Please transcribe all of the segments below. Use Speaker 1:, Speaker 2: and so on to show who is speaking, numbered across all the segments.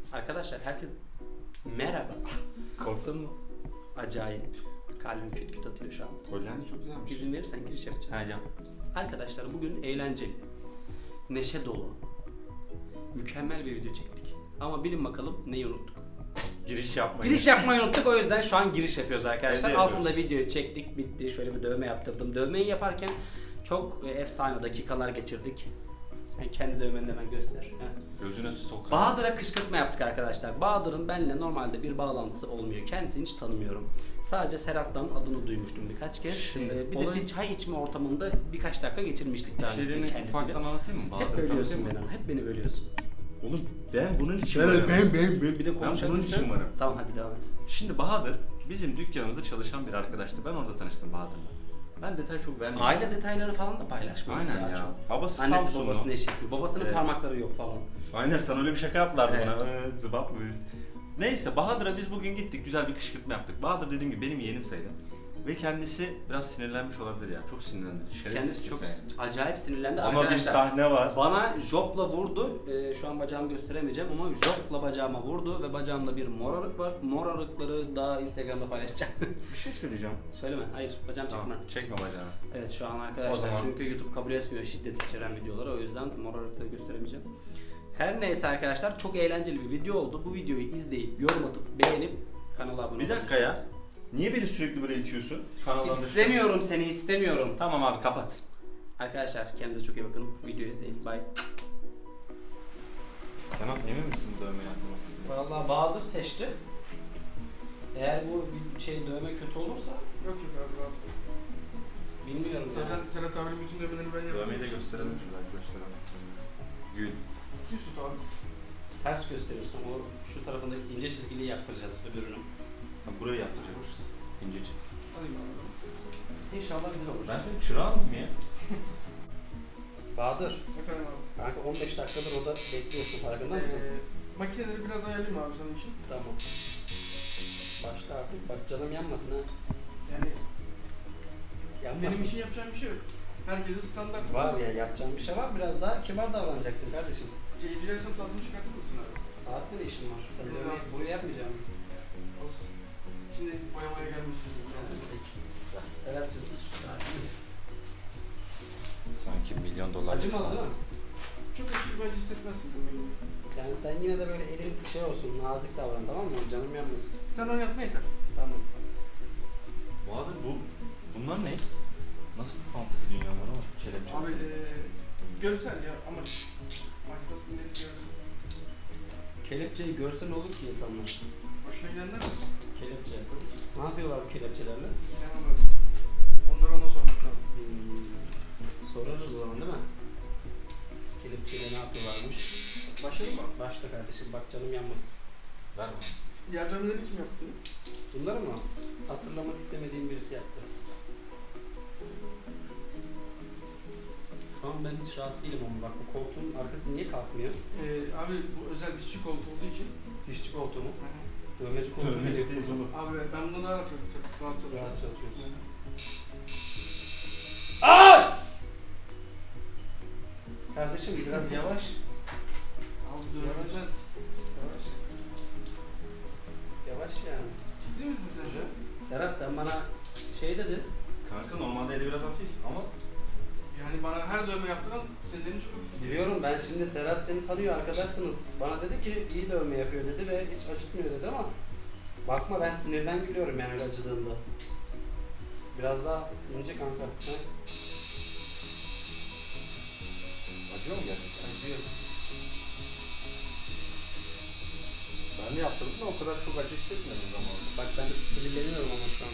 Speaker 1: Arkadaşlar herkes merhaba.
Speaker 2: Korktun mu?
Speaker 1: Acayip. Kalbim küt küt atıyor şu an.
Speaker 2: Kolyen çok güzelmiş.
Speaker 1: İzin verirsen giriş yapacağım.
Speaker 2: Ha yap.
Speaker 1: Arkadaşlar bugün eğlenceli, neşe dolu, mükemmel bir video çektik. Ama bilin bakalım neyi unuttuk?
Speaker 2: Giriş yapmayı.
Speaker 1: Giriş yapmayı unuttuk, o yüzden şu an giriş yapıyoruz arkadaşlar.
Speaker 2: Evde
Speaker 1: Aslında videoyu çektik, bitti. Şöyle bir dövme yaptırdım. Dövmeyi yaparken çok efsane dakikalar geçirdik. Sen kendi dövmeni de hemen göster. Heh.
Speaker 2: Gözüne sok.
Speaker 1: Bahadır'a kışkırtma yaptık arkadaşlar. Bahadır'ın benimle normalde bir bağlantısı olmuyor. Kendisini hiç tanımıyorum. Sadece Serhat'tan adını duymuştum birkaç kez.
Speaker 2: Şimdi
Speaker 1: Bir de bir çay içme ortamında birkaç dakika geçirmiştik daha öncesinde
Speaker 2: İçeriğini
Speaker 1: kendisiyle.
Speaker 2: ufaktan anlatayım mı?
Speaker 1: Hep
Speaker 2: Bahadır'ı
Speaker 1: bölüyorsun
Speaker 2: tanıtayım
Speaker 1: beni
Speaker 2: mı?
Speaker 1: ama. Hep beni bölüyorsun.
Speaker 2: Oğlum ben bunun için
Speaker 1: Ben
Speaker 2: varım.
Speaker 1: bir de
Speaker 2: Ben
Speaker 1: konuşalım.
Speaker 2: bunun için varım.
Speaker 1: Tamam hadi devam et.
Speaker 2: Şimdi Bahadır bizim dükkanımızda çalışan bir arkadaştı. Ben orada tanıştım Bahadır'la. Ben detay çok vermiyorum.
Speaker 1: Aile detayları falan da paylaşmıyor.
Speaker 2: Aynen
Speaker 1: daha
Speaker 2: ya.
Speaker 1: çok.
Speaker 2: Babası
Speaker 1: Annesi
Speaker 2: Samsunlu.
Speaker 1: babası ne şekli. Babasının
Speaker 2: Evet.
Speaker 1: parmakları yok falan.
Speaker 2: Aynen sana öyle bir şaka yaptılardı
Speaker 1: Evet.
Speaker 2: bana. Zıbap mı? Neyse Bahadır'a biz bugün gittik, güzel bir kışkırtma yaptık. Bahadır dediğim gibi benim yeğenim sayılır. Ve kendisi biraz sinirlenmiş olabilir ya. Çok sinirlendi.
Speaker 1: Kendisi çok
Speaker 2: insan.
Speaker 1: acayip sinirlendi.
Speaker 2: Ama bir
Speaker 1: Arkadaşlar,
Speaker 2: sahne var.
Speaker 1: bana jopla vurdu. Şu an bacağımı gösteremeyeceğim ama jopla bacağıma vurdu ve bacağımda bir morarık var. Morarıkları daha Instagram'da paylaşacağım.
Speaker 2: Bir şey söyleyeceğim.
Speaker 1: Söyleme. Hayır. Bacağım çekme.
Speaker 2: Tamam, çekme bacağını.
Speaker 1: Evet şu an
Speaker 2: O
Speaker 1: arkadaşlar
Speaker 2: zaman-
Speaker 1: çünkü YouTube kabul etmiyor şiddet içeren videoları. O yüzden morarıkları gösteremeyeceğim. Her neyse arkadaşlar çok eğlenceli bir video oldu. Bu videoyu izleyip, yorum atıp, beğenip kanala abone
Speaker 2: Bir dakika ya. Niye beni sürekli böyle itiyorsun? Kanaldan dışarı.
Speaker 1: İstemiyorum seni, istemiyorum.
Speaker 2: Tamam abi kapat.
Speaker 1: Arkadaşlar kendinize çok iyi bakın. Videoyu izleyin. Bye.
Speaker 2: Kenan emin misin dövme yapmak?
Speaker 1: Vallahi Bahadır seçti. Eğer bu bir dövme kötü olursa
Speaker 3: Yok yok abi rahat.
Speaker 1: bilmiyorum yani.
Speaker 3: Serhat abinin bütün dövmeleri ben yaptım.
Speaker 2: Dövmeyi de gösterelim şurada arkadaşlara. Gül.
Speaker 3: Düz tut abi.
Speaker 1: Ters gösteriyorsun. O şu tarafında ince çizgili yaptıracağız öbürünü.
Speaker 2: Ha, burayı yaptıracakmışız. İnce çek.
Speaker 3: Alayım abi.
Speaker 1: İnşallah güzel olur.
Speaker 2: Ben senin çırağın mı ya?
Speaker 1: Bahadır.
Speaker 3: Efendim abi.
Speaker 1: Kanka 15 dakikadır orada bekliyorsun. Farkında mısın?
Speaker 3: Makineleri biraz ayarlayayım abi senin için.
Speaker 1: Tamam. Başla artık. Bak canım yanmasın ha.
Speaker 3: Yani
Speaker 1: Yanmasın.
Speaker 3: benim için yapacağım bir şey yok. Herkese standart.
Speaker 1: Var ya yapacağım bir şey var. Biraz daha kibar davranacaksın kardeşim.
Speaker 3: Dilersem tadını çıkartır mısın abi?
Speaker 1: Saatte de işim var. Sen
Speaker 3: Biraz.
Speaker 1: dövmeyi buraya yapmayacağım.
Speaker 3: Olsun. Şimdi boyamaya gelmişsin.
Speaker 1: Serhat'cığım şu saati.
Speaker 2: Sanki milyon dolar.
Speaker 1: Acımadı değil mi?
Speaker 3: Çok aşırı bence hissetmezsin dövmeyi.
Speaker 1: Yani sen yine de böyle elin şey olsun, nazik davran tamam mı? Canım yanmasın.
Speaker 3: Sen onu yapma yeter.
Speaker 1: Tamam.
Speaker 2: Bahadır bunlar ne? Nasıl bir fantezi dünyaları var? Kelepçe.
Speaker 3: Abi görsel ya ama maksat millet görsün.
Speaker 1: Kelepçeyi görsen olur ki insanlar.
Speaker 3: Hoşuna gidenler mi?
Speaker 1: Kelepçe. Ne yapıyorlar bu kelepçelerle?
Speaker 3: Yani böyle. Onları ona sormak lazım.
Speaker 1: Sorarız o zaman değil mi? Kelepçeyle ne yapıyorlarmış?
Speaker 3: Başlayalım mı?
Speaker 1: Başla kardeşim bak canım yanmasın.
Speaker 2: Ver bana.
Speaker 3: Diğer dövmeleri kim yaptı?
Speaker 1: Bunları mı? Hatırlamak istemediğim birisi yaptı. Şu an ben hiç rahat değilim ama bak bu koltuğun arkası niye kalkmıyor?
Speaker 3: Abi bu özel dişçi koltuğu olduğu için.
Speaker 1: Dişçi koltuğu mu? Dövmeci koltuğu mu?
Speaker 2: Dövmeci değil oğlum.
Speaker 3: Abi ben bunu rahat yapıyorum. Çok rahat çalışıyorum.
Speaker 1: Rahat çalışıyorsun. Kardeşim biraz yavaş.
Speaker 3: Abi dövmeyeceğiz.
Speaker 1: Yavaş. Yavaş yani.
Speaker 3: Ciddi misin sen şu an?
Speaker 1: Serhat sen bana şey dedin.
Speaker 2: Kanka normalde eli biraz hafif ama
Speaker 3: Yani bana her dövme yaptıran senin elin çok hafif.
Speaker 1: Biliyorum ben şimdi Serhat seni tanıyor arkadaşsınız. Bana dedi ki iyi dövme yapıyor dedi ve hiç acıtmıyor dedi ama bakma ben sinirden gülüyorum yani öyle acıdığımda. Biraz daha ince kanka. Ha?
Speaker 2: acıyor mu gerçekten?
Speaker 1: Acıyor.
Speaker 2: Ben de yaptırdım da o kadar çok acı hissetmedim zamanında.
Speaker 1: Bak ben sinirleniyorum ama şu an.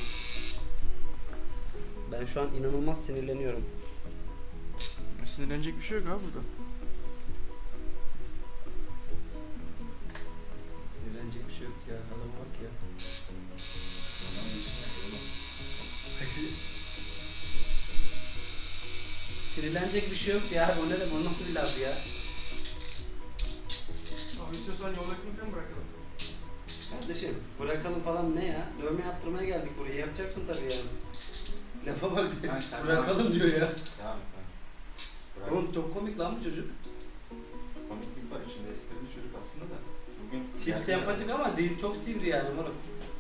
Speaker 1: Ben şu an inanılmaz sinirleniyorum.
Speaker 3: Sinirlenecek bir şey yok abi burada.
Speaker 1: Sinirlenecek bir şey yok ya. Adama bak ya. Sinirlenecek bir şey yok ya. O ne de bu nasıl bir laf ya?
Speaker 3: Abi istiyorsan yol yakınken bırakalım.
Speaker 1: Kardeşim bırakalım falan ne ya? Dövme yaptırmaya geldik buraya. Yapacaksın tabii yani. Lafa bak diyor. Bırakalım diyor ya.
Speaker 2: Tamam.
Speaker 1: Oğlum çok komik lan bu çocuk.
Speaker 2: Komiklik var içinde, esprili çocuk aslında da. Bugün
Speaker 1: Tip sempatik ama dil çok sivri yani moruk.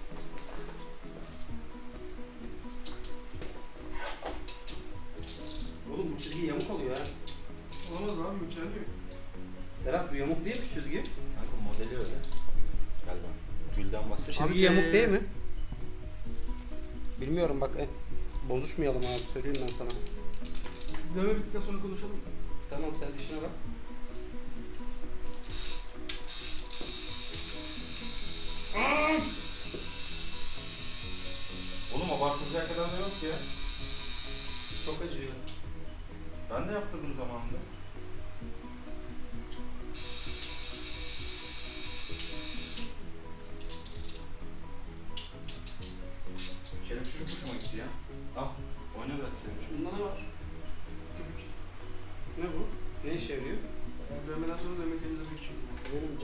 Speaker 1: Oğlum bu çizgi yamuk oluyor ha.
Speaker 3: Olmaz abi imkanı yok.
Speaker 1: Serhat bu yamuk değil mi şu çizgi?
Speaker 2: Kanka modeli öyle. Galiba. Gülden bahsediyor.
Speaker 1: Çizgi yamuk değil mi? Bilmiyorum bak. Bozuşmayalım abi söyleyeyim ben sana.
Speaker 3: Dövme bittikten sonra konuşalım.
Speaker 1: Tamam sen işine bak.
Speaker 2: Oğlum abartılacak kadar da yok ya.
Speaker 1: Çok acıyor.
Speaker 2: Ben de yaptırdım zamanında. Kelep çocuk hoşuma gitti ya. Al, oyna biraz demiş.
Speaker 1: Bunda ne var?
Speaker 3: Köpük.
Speaker 1: Ne bu? Ne işe yarıyor?
Speaker 3: Yani dövmeden sonra dövme temizlemek için.
Speaker 1: Benim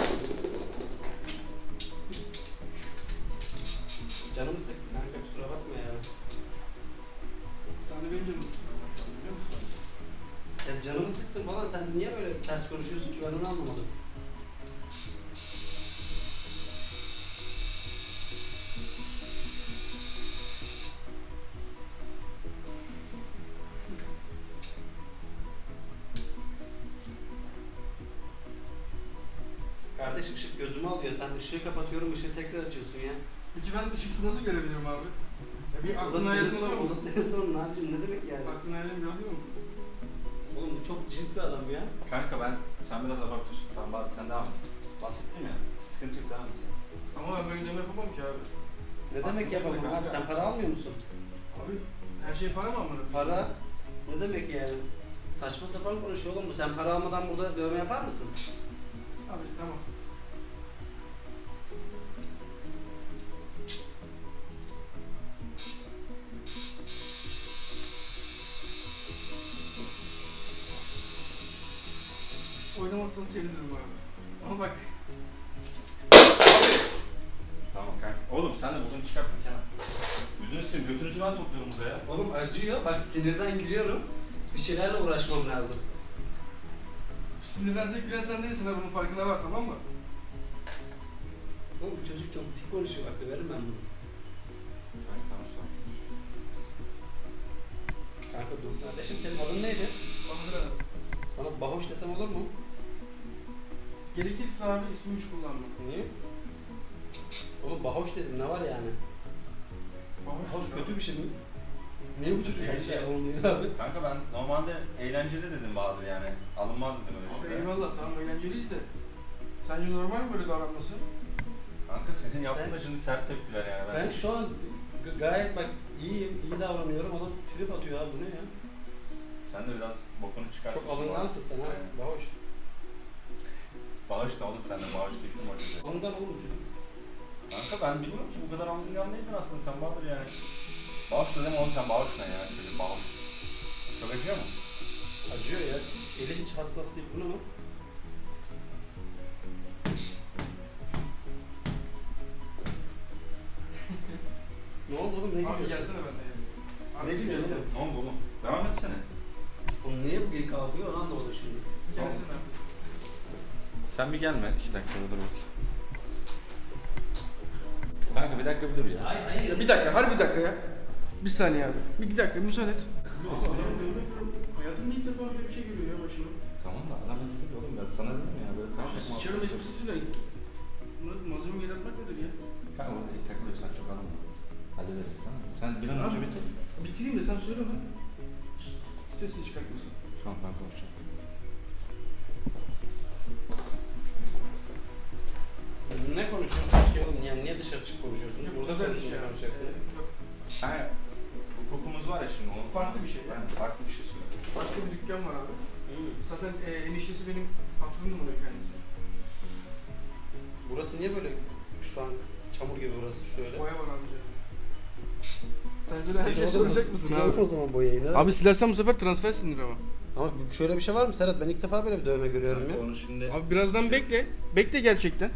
Speaker 1: canımı sıktı kanka kusura bakma ya.
Speaker 3: Sen de benim canımı sıkıyorsun şu an biliyor musun?
Speaker 1: Ya canımı sıktın falan sen niye böyle ters konuşuyorsun ki ben onu anlamadım. Kardeş ışık gözümü alıyor. Sen ışığı kapatıyorum, ışığı tekrar açıyorsun ya.
Speaker 3: Peki ben ışıksız nasıl görebilirim abi? Ya bir
Speaker 1: O da
Speaker 3: aklın
Speaker 1: senin
Speaker 3: hayalin
Speaker 1: sorun,
Speaker 3: oluyor
Speaker 1: o da
Speaker 3: mu?
Speaker 1: senin sorun abicim. Ne demek yani?
Speaker 3: Aklın hayalin bir alıyor mu?
Speaker 1: Oğlum bu çok cins bir adam ya.
Speaker 2: Kanka sen biraz abartıyorsun. Tamam bari sen devam et. Bahsettim ya. Sıkıntı yok, devam et sen.
Speaker 3: Ama ben böyle dövme yapamam ki abi.
Speaker 1: Ne demek yapamam
Speaker 2: kanka.
Speaker 1: abi? Sen para almıyor musun?
Speaker 3: Abi her şey para mı amına?
Speaker 1: Para? Ne demek yani? Saçma sapan konuşuyor oğlum bu. Sen para almadan burada dövme yapar mısın?
Speaker 3: Abi tamam. Oynamazsan sevinirim abi. Ama bak
Speaker 2: Tamam kanka. Oğlum sen de bugün çıkartma Kenan. Yüzünü sil, götünüzü ben topluyorum buraya.
Speaker 1: Oğlum acıyor. Bak sinirden gülüyorum. Bir şeylerle uğraşmam lazım.
Speaker 3: sinirden tek gülen sen değilsin ha bunun farkına var tamam mı?
Speaker 1: Oğlum bu çocuk çok dik konuşuyor. Bak döverim ben bunu.
Speaker 2: Kanka tamam sağ ol.
Speaker 1: Kanka dur kardeşim senin adın neydi?
Speaker 3: Bahadır abi.
Speaker 1: Sana Bahoş desem olur mu?
Speaker 3: Gerekirse abi ismini hiç kullanma.
Speaker 1: Niye? Oğlum Bahoş dedim ne var yani? Bahoş kötü bir şey mi? Niye bu çocuk her şey olmuyor abi?
Speaker 2: Kanka ben normalde eğlenceli dedim Bahadır yani. Alınmaz dedim öyle
Speaker 3: Abi
Speaker 2: şeyler.
Speaker 3: eyvallah tamam eğlenceliyiz de. Sence normal mi böyle davranması?
Speaker 2: Kanka senin yaptığın da şimdi sert tepkiler yani.
Speaker 1: Ben şu an gayet bak iyiyim, iyi davranıyorum. Adam trip atıyor abi bu ne ya?
Speaker 2: Sen de biraz bokunu çıkartıyorsun.
Speaker 1: Çok alıngansın sen ha.
Speaker 2: Aynen.
Speaker 1: Bahoş.
Speaker 2: Bağış da oğlum sen de bağış teklim var.
Speaker 1: Ondan oğlum çocuk.
Speaker 2: Kanka ben bilmiyorum ki bu kadar alıngan değildin aslında sen Bahadır yani. Bağış dedim oğlum sen bağış ne ya? Çocuğum bağış. Çok acıyor mu?
Speaker 1: Acıyor ya. Eli hiç hassas değil. Bu ne lan? Ne oldu oğlum? Ne
Speaker 3: Abi
Speaker 1: gülüyorsun?
Speaker 3: gelsene ben de ya. Abi
Speaker 1: Ne gülüyorsun oğlum?
Speaker 2: Ne oldu oğlum? Devam etsene.
Speaker 1: Oğlum niye bu geri kalkıyor onu anlamadım şimdi.
Speaker 3: Gelsene abi.
Speaker 2: Sen bir gelme 2 dakika dur bakayım. Kanka bir dakika bir dur ya.
Speaker 1: Hayır hayır.
Speaker 3: Ya bir dakika, harbi bir dakika ya. Bir saniye abi. Bir dakika müsaade et. Abi adam dövme görüyorum. Hayatımda ilk defa böyle bir şey görüyor ya başıma.
Speaker 2: Tamam da ana mesele oğlum ben sana dedim ya böyle
Speaker 3: Abi sıçarım elim sıçrıyor. Bunları malzeme geri atmak nedir ya?
Speaker 2: Kanka orada takılıyorsan çok alınma. Hallederiz tamam mı? Sen bir an önce bitir.
Speaker 3: Bitireyim de sen söyle lan. Sesini çıkartmasın.
Speaker 2: Tamam ben konuşacağım.
Speaker 1: Ne konuşuyorsunuz ki oğlum? Yani niye dışarı çıkıp konuşuyorsunuz? Burada
Speaker 3: özel bir
Speaker 1: konuşunca
Speaker 3: şey.
Speaker 1: konuşacaksınız.
Speaker 3: Yok,
Speaker 2: Ha, hukukumuz var ya şimdi onun.
Speaker 3: Farklı bir şey ya.
Speaker 2: Ben farklı bir şey söylüyorum.
Speaker 3: Başka bir dükkan var abi.
Speaker 1: Hmm.
Speaker 3: Zaten eniştesi benim patronum oluyor kendisi.
Speaker 1: Burası niye böyle şu an çamur gibi burası şöyle?
Speaker 3: Boya var abi. Sen de her şeyi soracak mısın
Speaker 1: Silelim
Speaker 3: abi?
Speaker 1: o zaman boyayı. Ne?
Speaker 3: Abi silersen bu sefer transfer sinir ama.
Speaker 1: Ama şöyle bir şey var mı Serhat? Ben ilk defa böyle bir dövme görüyorum ya.
Speaker 2: Kanka onu şimdi...
Speaker 3: Abi birazdan bekle. Bekle gerçekten.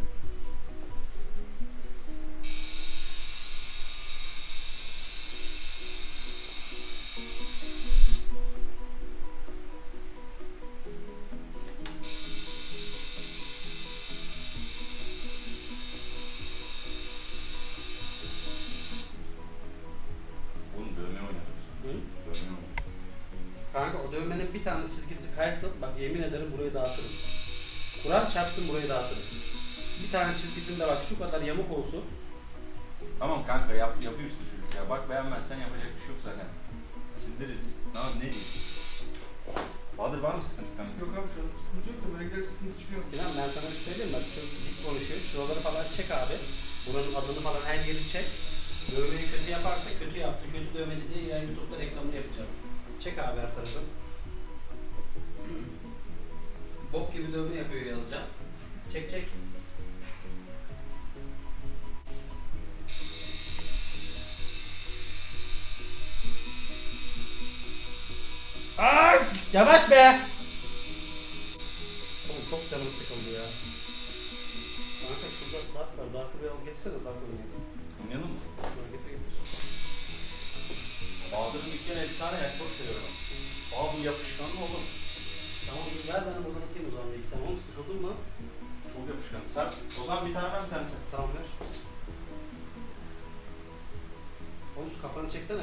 Speaker 1: şöyle bir tane çizgisi kaysın. Bak yemin ederim burayı dağıtırım. Kur'an çarpsın burayı dağıtırım. Bir tane çizgisinde bak şu kadar yamuk olsun.
Speaker 2: Tamam kanka yapıyor işte çocuk ya. Bak beğenmezsen yapacak bir şey yok zaten. Sildiririz. Ne diyeyim? Bahadır var mı sıkıntı kanka?
Speaker 3: Yok abi şu an sıkıntı yok da böyle giderse sıkıntı çıkıyor.
Speaker 1: Sinan ben sana bir söyleyeyim bak çok dik konuşuyor. Şuraları falan çek abi. Buranın adını falan her yeri çek. Dövmeyi kötü yaparsa kötü yaptı. Kötü dövmeci diye yani YouTube'da reklamını yapacağım. Çek abi her tarafı. Bok gibi dövme yapıyor yazacağım. Çek çek. Ay, yavaş be! Oğlum çok canım sıkıldı ya. Kanka şurada dark var. Dark'ı bir al getirsene Dark oynayalım.
Speaker 2: Oynayalım mı?
Speaker 1: Getir getir.
Speaker 2: Bahadır'ın dükkanı efsane ya. Çok seviyorum. Bu yapışkan mı oğlum?
Speaker 1: Tamam ver ben buradan atayım o zaman bir iki tane. Oğlum sıkıldın mı?
Speaker 2: Çok yapışkan. Sen o zaman bir tane ver bir tane sen.
Speaker 1: Tamam ver. Oğlum şu kafanı çeksene.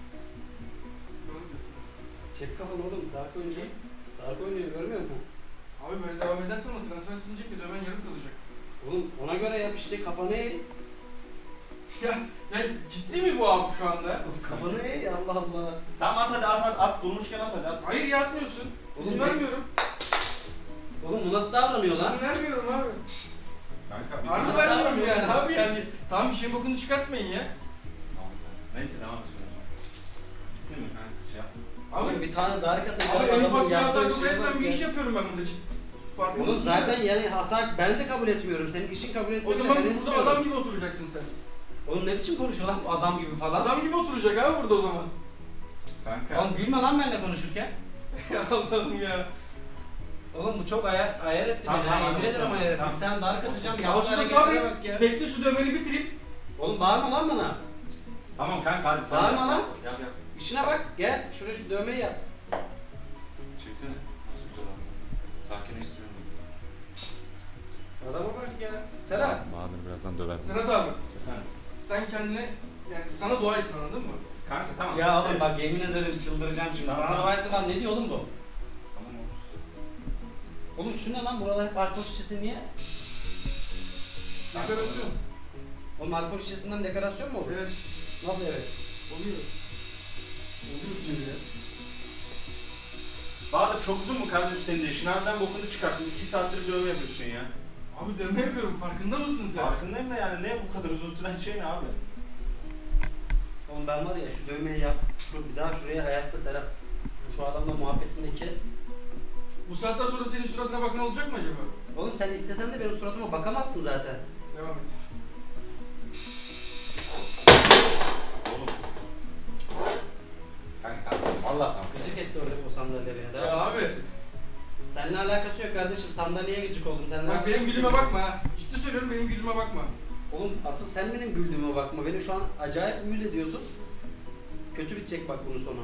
Speaker 1: Çek kafanı oğlum. Dark oynayacağız. Dark oynuyor görmüyor musun?
Speaker 3: Abi böyle devam edersen o transfer silinecek ve dövmen yarım kalacak.
Speaker 1: Oğlum ona göre yap işte kafanı eğ.
Speaker 3: Ya ciddi mi bu abi şu anda?
Speaker 1: Kafanı eğ Allah Allah.
Speaker 2: Tamam at. Bulmuşken at hadi at.
Speaker 3: Hayır yatmıyorsun. İzin
Speaker 1: Oğlum,
Speaker 3: vermiyorum.
Speaker 1: Oğlum bu nasıl davranıyor lan?
Speaker 3: İzin vermiyorum abi.
Speaker 2: Kanka bir
Speaker 3: Harbi
Speaker 1: Nasıl
Speaker 3: vermiyorum
Speaker 1: davranıyor
Speaker 3: yani
Speaker 1: ya?
Speaker 3: abi yani. Tamam bir şeyin bokunu çıkartmayın ya.
Speaker 2: Tamam. Neyse devam et şuna. Bitti mi kanka şey yap.
Speaker 1: Oğlum
Speaker 3: Abi,
Speaker 1: bir tane dark atacağım.
Speaker 3: abi en ufak bir hata
Speaker 1: yaptığı
Speaker 3: kabul
Speaker 1: şeye
Speaker 3: etmem
Speaker 1: bak
Speaker 3: bir
Speaker 1: ya.
Speaker 3: iş yapıyorum ben burada. Farkında
Speaker 1: Oğlum
Speaker 3: mısın
Speaker 1: zaten
Speaker 3: ya?
Speaker 1: yani hata ben de kabul etmiyorum. Senin işin kabul
Speaker 3: O
Speaker 1: etse bile
Speaker 3: zaman
Speaker 1: ben
Speaker 3: burada
Speaker 1: etmiyorum.
Speaker 3: adam gibi oturacaksın sen.
Speaker 1: Oğlum ne biçim konuşuyor lan bu adam gibi falan.
Speaker 3: Adam gibi oturacak abi burada o zaman.
Speaker 2: Kanka.
Speaker 1: Oğlum gülme lan benimle konuşurken.
Speaker 3: Ya Allah'ım ya.
Speaker 1: Oğlum bu çok ayar etti
Speaker 2: Tamam,
Speaker 1: beni.
Speaker 2: tamam,
Speaker 1: Yemin ederim
Speaker 2: tamam,
Speaker 1: ayar etti.
Speaker 2: tamam.
Speaker 1: Bir tane dark atacağım.
Speaker 3: Al
Speaker 1: Yaptığı
Speaker 3: şunu
Speaker 1: hareketlere
Speaker 3: sabret.
Speaker 1: bak ya.
Speaker 3: Bekle şu dövmeni bitireyim.
Speaker 1: Oğlum bağırma lan bana.
Speaker 2: Tamam kanka hadi sen
Speaker 1: Bağırma
Speaker 2: yap.
Speaker 1: lan.
Speaker 2: Yap.
Speaker 1: İşine bak. Gel şuraya şu dövmeyi yap.
Speaker 2: Çeksene. Nasıl güzel oldu. Sakinleştiriyorum.
Speaker 1: Adama bak ya. Serhat.
Speaker 2: Bahadır birazdan döver.
Speaker 3: Serhat abi
Speaker 2: Efendim.
Speaker 3: sen kendine yani sana dua etsin anladın mı?
Speaker 2: Kanka tamam.
Speaker 1: Ya oğlum bak yemin ederim çıldıracağım şimdi.
Speaker 2: Tamam,
Speaker 1: Sana
Speaker 2: tamam.
Speaker 1: dua etsin falan ne diyor oğlum bu?
Speaker 2: Tamam olur.
Speaker 1: Oğlum şu ne lan? Buralar hep alkol şişesi niye?
Speaker 3: Dekorasyon.
Speaker 1: Oğlum alkol şişesinden dekorasyon mu olur?
Speaker 3: Evet.
Speaker 1: Nasıl evet?
Speaker 3: Oluyor. Oluyor diyor ya.
Speaker 2: Bahadır çok uzun mu kardeşim senin de işin? Harbiden bokunu çıkarttın. 2 saattir dövme yapıyorsun ya.
Speaker 3: Abi dövme yapıyorum farkında mısın sen?
Speaker 2: Farkındayım da yani ne bu kadar uzun süren şey ne abi?
Speaker 1: Oğlum ben var ya şu dövmeyi yap. Bir daha şuraya hayatta Serhat. Şu adamla muhabbetini de kes.
Speaker 3: Bu saatten sonra senin suratına bakan olacak mı acaba?
Speaker 1: Oğlum sen istesen de benim suratıma bakamazsın zaten.
Speaker 3: Devam et.
Speaker 2: Oğlum. Kanka vallahi tamam.
Speaker 1: Gıcık etti orada bu sandalye beni.
Speaker 3: Ya abi.
Speaker 1: Seninle alakası yok kardeşim. Sandalyeye gıcık oldum. Sen
Speaker 3: Bak benim gülüme bakma ha. Ciddi söylüyorum benim gülüme bakma.
Speaker 1: Oğlum asıl sen benim güldüğüme bakma. Beni şu an acayip uyuz ediyorsun. Kötü bitecek bak bunun sonu.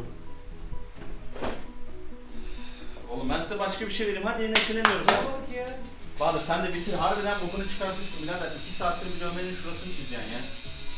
Speaker 2: Oğlum ben size başka bir şey vereyim. Hadi neşeleniyoruz.
Speaker 1: Bak ya.
Speaker 2: Bahadır sen de bitir. Harbiden bokunu çıkartıyorsun birader. 2 saattir bir dövmenin şurasını çizeceksin ya.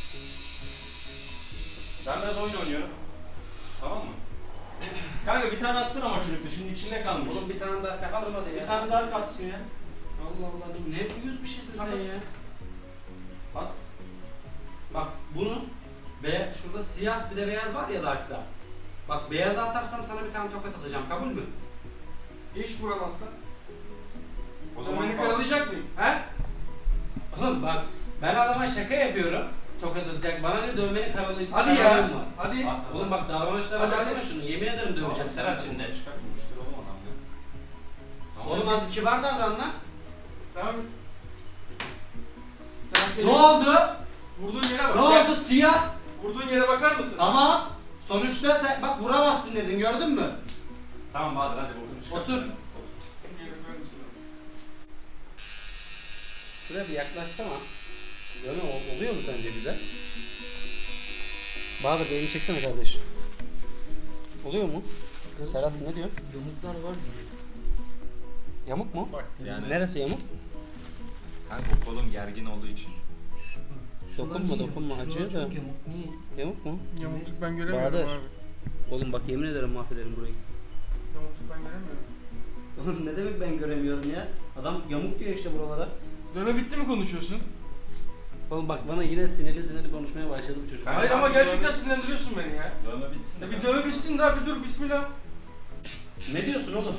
Speaker 2: Ben biraz oyun oynuyorum. Tamam mı? Kanka bir tane atsın ama çocukta. Şimdi içinde kalmış.
Speaker 1: Oğlum bir tane daha kattırmadı ya.
Speaker 2: Bir tane daha katsın ya.
Speaker 1: Allah Allah dur ne uyuz bir şeysin sen ya.
Speaker 2: At.
Speaker 1: Bak bunu şurada siyah bir de beyaz var ya Dark'ta. Bak beyazı atarsam sana bir tane tokat atacağım. Kabul mü?
Speaker 3: Hiç vuramazsan.
Speaker 2: O
Speaker 3: Sen
Speaker 2: zaman
Speaker 3: beni karalayacak mıyım? He?
Speaker 1: Oğlum bak ben adama şaka yapıyorum. Tokat atacak. Bana ne dövmeni karalayacak.
Speaker 3: Hadi ya.
Speaker 1: Karalığım var.
Speaker 3: Hadi.
Speaker 2: At.
Speaker 1: Oğlum bak davranışlara
Speaker 3: Hadi,
Speaker 1: baksana
Speaker 3: hadi.
Speaker 1: şunu. Yemin ederim döveceğim Serhat şimdi.
Speaker 2: Çıkartmamıştır oğlum adam ya.
Speaker 1: Oğlum az kibar davran lan.
Speaker 3: Devam et. Sen
Speaker 1: Ne
Speaker 3: senin
Speaker 1: oldu?
Speaker 3: vurduğun yere bak.
Speaker 1: Ne
Speaker 3: Gel.
Speaker 1: oldu siyah?
Speaker 3: Vurduğun yere bakar mısın?
Speaker 1: Ama sonuçta sen bak vuramazsın dedin gördün mü?
Speaker 2: Tamam Bahadır hadi bokunu çıkart.
Speaker 1: Otur.
Speaker 3: Bir yere koyar mısın?
Speaker 1: Şuraya bir yaklaşsana. Böyle oluyor mu sence bize? Bahadır bir elini çeksene kardeş. Oluyor mu? Serhat ne diyor?
Speaker 3: Yamuklar var gibi.
Speaker 1: Yamuk mu?
Speaker 2: Yani
Speaker 1: Neresi yamuk?
Speaker 2: kanka kolum gergin olduğu için.
Speaker 1: Dokunma acıyor da.
Speaker 4: Çok yamuk. Niye?
Speaker 1: Yamuk mu?
Speaker 3: Yamukluk ben göremiyorum
Speaker 1: Bahadır.
Speaker 3: abi.
Speaker 1: Oğlum bak yemin ederim mahvederim burayı.
Speaker 3: Yamukluk ben göremiyorum.
Speaker 1: Oğlum ne demek ben göremiyorum ya? Adam yamuk diyor işte buralara.
Speaker 3: Dövme bitti mi konuşuyorsun?
Speaker 1: Oğlum bak bana yine sinirli konuşmaya başladı bu çocuk.
Speaker 3: Hayır ama gerçekten sinirlendiriyorsun beni ya.
Speaker 2: Dövme bitsin de.
Speaker 3: Ya bir dövme bitsin daha bir dur bismillah.
Speaker 1: Ne diyorsun oğlum?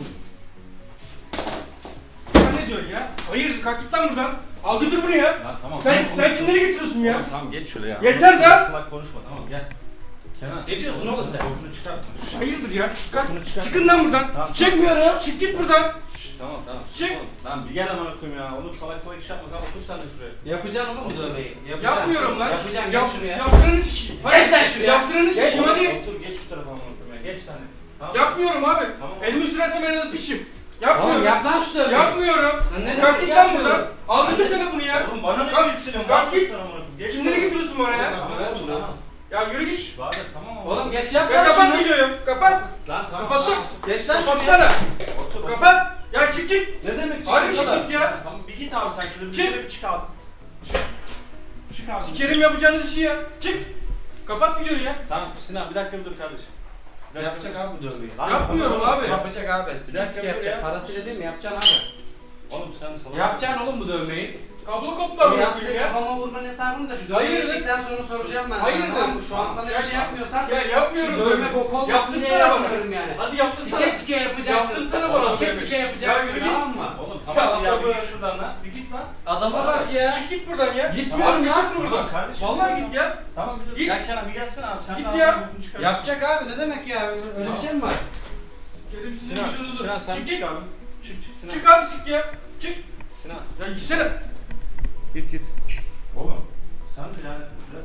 Speaker 3: Sen ne diyorsun ya? Hayır kalk git lan buradan. Al götür bunu ya.
Speaker 2: Ya tamam.
Speaker 3: Sen kimleri getiriyorsun ya?
Speaker 2: Tamam geç şuraya.
Speaker 3: Yeter lan!
Speaker 2: Salak konuşma tamam gel. Kenan.
Speaker 1: Ne diyorsun oğlum sen?
Speaker 2: Korkunu çıkart.
Speaker 3: Hayırdır ya? Kalk.
Speaker 2: Bunu çıkar.
Speaker 3: Çıkın lan buradan.
Speaker 2: Tamam.
Speaker 3: Çıkmıyorum. Çık git buradan.
Speaker 2: Tamam tamam.
Speaker 3: Çık.
Speaker 2: Lan bir gel amına koyayım ya. Oğlum salak salak iş yapma. Tamam otur sen de şuraya.
Speaker 1: Yapacaksın oğlum bu dövmeyi.
Speaker 3: Yapmıyorum lan.
Speaker 1: Yapacaksın
Speaker 3: Yap,
Speaker 1: geç şuraya.
Speaker 3: yaptığını sikeyim.
Speaker 1: Geç lan şuraya.
Speaker 3: Yaptığını sikeyim hadi.
Speaker 2: Otur geç şu tarafa amına koyayım ya. Geç sen de. Tamam.
Speaker 3: Yapmıyorum abi.
Speaker 2: Tamam.
Speaker 3: Elimi sürersen ben de pişim.
Speaker 1: Oğlum
Speaker 3: Yapmıyorum.
Speaker 1: yap lan şu dövmeyi.
Speaker 3: Yapmıyorum.
Speaker 1: Lan ne
Speaker 3: Kalk
Speaker 1: demek
Speaker 3: git lan
Speaker 1: yapmıyorum?
Speaker 3: buradan. Al götürsene bunu ya.
Speaker 2: Oğlum bana ne
Speaker 3: Kalk,
Speaker 2: yükseliyorsun?
Speaker 3: kalk git.
Speaker 2: Sana amına koyayım. Geç
Speaker 3: Kimleri
Speaker 2: şuraya.
Speaker 3: getiriyorsun bana ya?
Speaker 2: Tamam oğlum tamam.
Speaker 3: Ya yürü git.
Speaker 2: Bahadır tamam ama.
Speaker 1: Oğlum geç yap
Speaker 3: Ya
Speaker 1: lan
Speaker 3: kapat
Speaker 1: şunu.
Speaker 3: videoyu. Kapat.
Speaker 2: Lan tamam.
Speaker 3: Kapatsana.
Speaker 1: Geç lan şuraya.
Speaker 3: Kapatsana.
Speaker 2: Otur.
Speaker 3: Kapat. Ya çık git.
Speaker 1: Ne demek
Speaker 3: Harbi
Speaker 1: çıkıyor
Speaker 3: çık git ya.
Speaker 2: Tamam bir git abi sen şuraya bir
Speaker 3: Çık.
Speaker 2: şöyle bir çık abi. Çık. Çık abi.
Speaker 3: Sikerim yapacağınız işi ya. Çık. Kapat videoyu ya.
Speaker 2: Tamam Sinan bir dakika bir dur kardeşim. Bir dakika
Speaker 1: Yapacak
Speaker 2: bir dur.
Speaker 1: abi bu dövmeyi.
Speaker 2: Lan
Speaker 3: Yapmıyorum
Speaker 2: tamam.
Speaker 3: abi.
Speaker 1: Yapacak abi.
Speaker 2: dakika
Speaker 1: Sike
Speaker 2: dur
Speaker 1: yapacak.
Speaker 2: ya.
Speaker 1: Parasıyla değil mi? Yapacaksın abi.
Speaker 2: Oğlum sen salak.
Speaker 1: Yapacaksın oğlum bu dövmeyi.
Speaker 3: Kablo koptu
Speaker 1: Bu
Speaker 3: amına
Speaker 1: yastığı
Speaker 3: koyayım ya.
Speaker 1: kafama vurmanın hesabını da şu dövmeyi
Speaker 3: Hayırdır?
Speaker 1: yedikten sonra soracağım ben
Speaker 3: Hayırdır?
Speaker 1: sana. Tamam mı? Şu an sana bir şey yapmıyorsan
Speaker 3: Ya yapmıyorum.
Speaker 1: şu dövme bok olmasın diye
Speaker 3: Yaptırsana bana.
Speaker 1: yapmıyorum yani.
Speaker 3: Hadi yaptırsana.
Speaker 1: Sike sike yapacaksın.
Speaker 3: Yaptırsana bana
Speaker 1: Sike
Speaker 3: dövmeyi.
Speaker 1: sike
Speaker 3: Ya
Speaker 1: yapacaksın
Speaker 3: yürü git.
Speaker 1: tamam mı?
Speaker 2: Oğlum
Speaker 3: Ya
Speaker 2: tamam ya bir
Speaker 3: sabır.
Speaker 2: git şuradan lan. Bir git lan.
Speaker 1: Adama bak ya.
Speaker 3: Çık git buradan ya.
Speaker 1: Gitmiyorum
Speaker 3: Abi
Speaker 1: ya.
Speaker 3: git buradan.
Speaker 2: Tamam kardeşim.
Speaker 3: Vallahi git ya.
Speaker 2: Tamam bir dur.
Speaker 3: Git.
Speaker 2: Gel Kenan bir gelsene abi. Sen
Speaker 3: Git
Speaker 2: de
Speaker 3: ya.
Speaker 2: ağzını burnunu çıkarırsın.
Speaker 1: Yapacak abi ne demek ya? Öyle bir şey mi var?
Speaker 3: Kerim sizin
Speaker 2: Sinan,
Speaker 3: videonuzu.
Speaker 2: Sinan sen
Speaker 3: Çık
Speaker 2: çık
Speaker 3: git.
Speaker 2: abi. Çık çık Sinan.
Speaker 3: Çık abi çık ya. Çık.
Speaker 2: Sinan.
Speaker 3: Ya gitsene.
Speaker 2: Git git. Oğlum sen de yani biraz...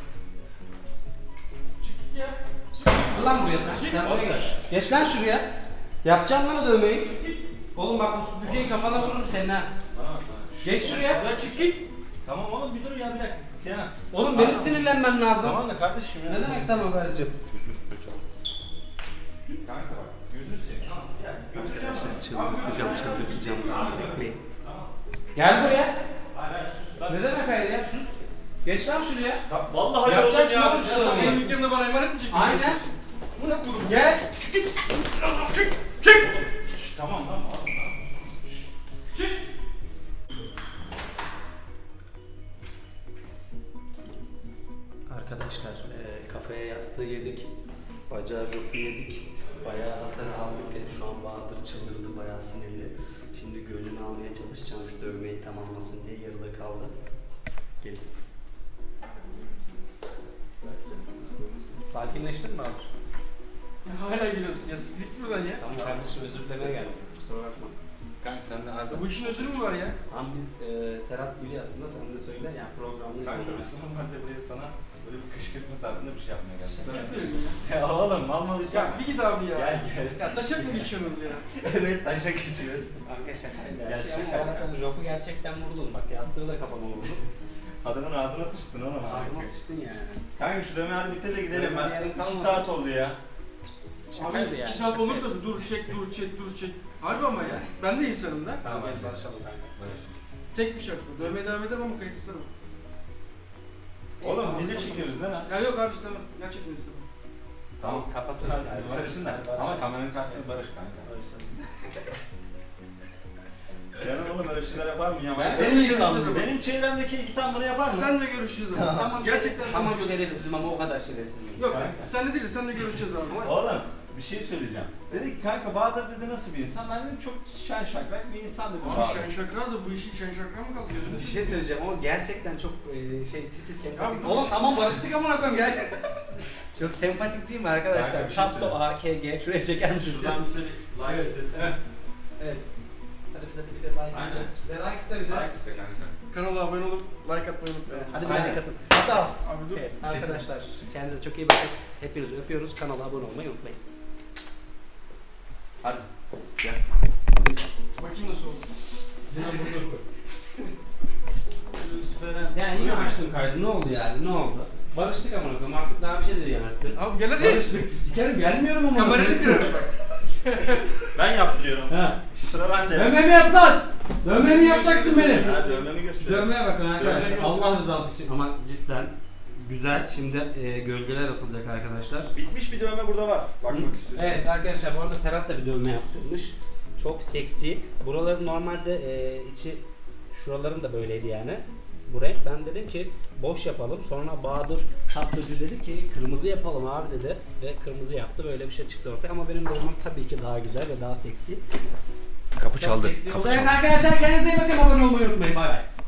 Speaker 3: Çık git ya.
Speaker 1: Gel lan buraya sen. Sen buraya gel. Geç lan şuraya. Yapacaksın lan o dövmeyi. Oğlum bak bu süpürgeyi kafana vururum senin ha.
Speaker 2: Tamam tamam.
Speaker 1: Geç şuraya.
Speaker 3: Ya çık git.
Speaker 2: Tamam oğlum bir dur ya bir dakika. Kenan.
Speaker 1: Oğlum benim sinirlenmem lazım.
Speaker 2: Tamam da kardeşim ya.
Speaker 1: Ne demek tamam kardeşim?
Speaker 2: Kanka bak gözünü seveyim. Tamam ya. Götüreceğim seni.
Speaker 1: Çıldırtacağım. Bekleyin. Gel buraya.
Speaker 2: Hayır hayır sus lan.
Speaker 1: Ne demek hayır ya sus. Geç lan şuraya.
Speaker 2: Vallahi
Speaker 1: Yapacaksın
Speaker 2: yoruldum ya.
Speaker 1: oğlum
Speaker 2: Siz
Speaker 1: şunu.
Speaker 2: sana
Speaker 3: Benim dükkanımda bana emanet mi çekiyorsun?
Speaker 1: Aynen.
Speaker 3: Bu ne kurum?
Speaker 1: Gel.
Speaker 3: Çık git. Çık. Çık.
Speaker 2: Şşş, tamam tamam tamam.
Speaker 3: Çık.
Speaker 1: Arkadaşlar kafaya yastığı yedik. Bacağı jopu yedik. Bayağı hasar aldık. Şu an Bahadır çıldırdı. Bayağı sinirli. Şimdi gönlünü almaya çalışacağım şu dövmeyi tamamlasın diye yarıda kaldı. Gelin. Sakinleştin mi abi?
Speaker 3: Ya hala gülüyorsun ya. Siktir git buradan ya.
Speaker 1: Tamam kardeşim özür dilemeye geldim. Kusura bakma.
Speaker 2: Kanka sen de harbi.
Speaker 3: Bu işin özürü mü var ya?
Speaker 1: Tamam biz Serhat biliyor aslında sen de söyle yani programını
Speaker 2: Kanka biz normalde buraya sana böyle bir kışkırtma tarzında bir şey yapmaya geldik.
Speaker 3: Şaka yapıyorum ya.
Speaker 2: Ya oğlum mal mal iş
Speaker 3: Ya
Speaker 2: yapma.
Speaker 3: bir git abi ya.
Speaker 2: Gel gel.
Speaker 3: Ya taşak mı geçiyorsunuz ya?
Speaker 2: Evet taşa geçiyoruz.
Speaker 1: Kanka şakaydı
Speaker 2: Ya
Speaker 1: her şey ama
Speaker 2: şaka
Speaker 1: bana sen jopu gerçekten vurdun bak yastığı da kafama vurdun.
Speaker 2: Adamın ağzına sıçtın oğlum.
Speaker 1: Ağzıma sıçtın yani.
Speaker 2: Kanka şu dövme hadi bitir de gidelim.
Speaker 1: Dövme
Speaker 2: Ben
Speaker 1: yarın
Speaker 2: 2
Speaker 1: kalmasın.
Speaker 2: saat oldu ya.
Speaker 1: Şakaydı
Speaker 3: Abi
Speaker 1: yani,
Speaker 3: 2 saat olur
Speaker 1: şakaydı.
Speaker 3: da dur çek dur çek dur çek. Harbi ama ya. Ben de insanım da.
Speaker 1: Tamam hadi barışalım kanka.
Speaker 3: Tek bir şart bu. Dövmeye devam ederim ama kayıt istemem.
Speaker 2: Oğlum video çekiyoruz lan ha.
Speaker 3: Ya yok abi istemem. Gerçekten istemem.
Speaker 2: Tamam
Speaker 1: kapatırız.
Speaker 2: Hadi siz barışın da. Ama kameranın karşısında barış kanka. Yani oğlum öyle şeyler yapar mı ya?
Speaker 1: Ben
Speaker 3: senin
Speaker 2: benim,
Speaker 3: insanım.
Speaker 2: benim çevremdeki insan bunu yapar mı?
Speaker 3: Sen de görüşeceğiz abi.
Speaker 1: Tamam
Speaker 3: Gerçekten
Speaker 1: tamam
Speaker 3: sen de
Speaker 1: şerefsizim ama o kadar şerefsizim.
Speaker 3: Yok
Speaker 2: Kanka.
Speaker 3: sen de değil sen de görüşeceğiz abi.
Speaker 2: Oğlum bir şey söyleyeceğim. Dedi ki kanka Bahadır dedi nasıl bir insan? Ben dedim çok şen şakrak bir insan dedim
Speaker 3: Abi
Speaker 2: Bahadır.
Speaker 3: şen şakraz da bu işin şen şakra mı kaldı gözünü?
Speaker 1: Bir şey söyleyeceğim ama gerçekten çok tipi sempatik.
Speaker 3: Ya,
Speaker 1: Oğlum tamam barıştık amına koyayım gel. Çok sempatik değil mi arkadaşlar?
Speaker 2: Kanka, bir şey
Speaker 1: Tatto
Speaker 2: söyle.
Speaker 1: AKG şuraya çeker misiniz?
Speaker 2: Şuradan bize bir like
Speaker 1: Evet.
Speaker 2: istesene.
Speaker 1: Evet. Hadi bize bir de like
Speaker 2: Aynen.
Speaker 1: iste. Like iste bize.
Speaker 2: Like iste kanka.
Speaker 3: Kanala abone olup like atmayı unutmayın.
Speaker 1: Hadi bir
Speaker 2: Aynen.
Speaker 1: like atın. Hatta.
Speaker 3: Abi dur.
Speaker 1: Evet arkadaşlar kendinize çok iyi bakın. Hepinizi öpüyoruz. Kanala abone olmayı unutmayın.
Speaker 2: Hadi. Gel.
Speaker 3: Bakayım nasıl oldu.
Speaker 2: Lütfen.
Speaker 1: Yani yine açtım kaydı. Ne oldu yani? Ne oldu? Barıştık amına koyayım. Artık daha bir şey de diyemezsin.
Speaker 3: Abi gel hadi.
Speaker 1: Barıştık. Sikerim gelmiyorum ama.
Speaker 3: Kamerayı kırarım bak.
Speaker 2: Ben yaptırıyorum.
Speaker 1: Ha.
Speaker 2: Sıra bende.
Speaker 1: Dövmemi yap lan. Dövmemi yapacaksın benim.
Speaker 2: Ha dövmemi göster.
Speaker 1: Dövmeye bakın arkadaşlar.
Speaker 3: Dövmeyi
Speaker 1: Allah rızası için ama cidden güzel. Şimdi gölgeler atılacak arkadaşlar.
Speaker 2: Bitmiş bir dövme burada var. Bakmak istiyorsanız.
Speaker 1: Evet arkadaşlar, bu arada Serhat da bir dövme yaptırmış. Çok seksi. Buraların normalde içi, şuraların da böyleydi yani. Bu renk. Ben dedim ki boş yapalım. Sonra Bahadır tatlıcı dedi ki kırmızı yapalım abi dedi. Ve kırmızı yaptı. Böyle bir şey çıktı ortaya. Ama benim dövmem tabii ki daha güzel ve daha seksi.
Speaker 2: Kapı
Speaker 1: Çok
Speaker 2: çaldı.
Speaker 1: seksi
Speaker 2: Kapı
Speaker 1: oldu.
Speaker 2: çaldı.
Speaker 1: Evet arkadaşlar, kendinize iyi bakın. Abone olmayı unutmayın. Bay bay.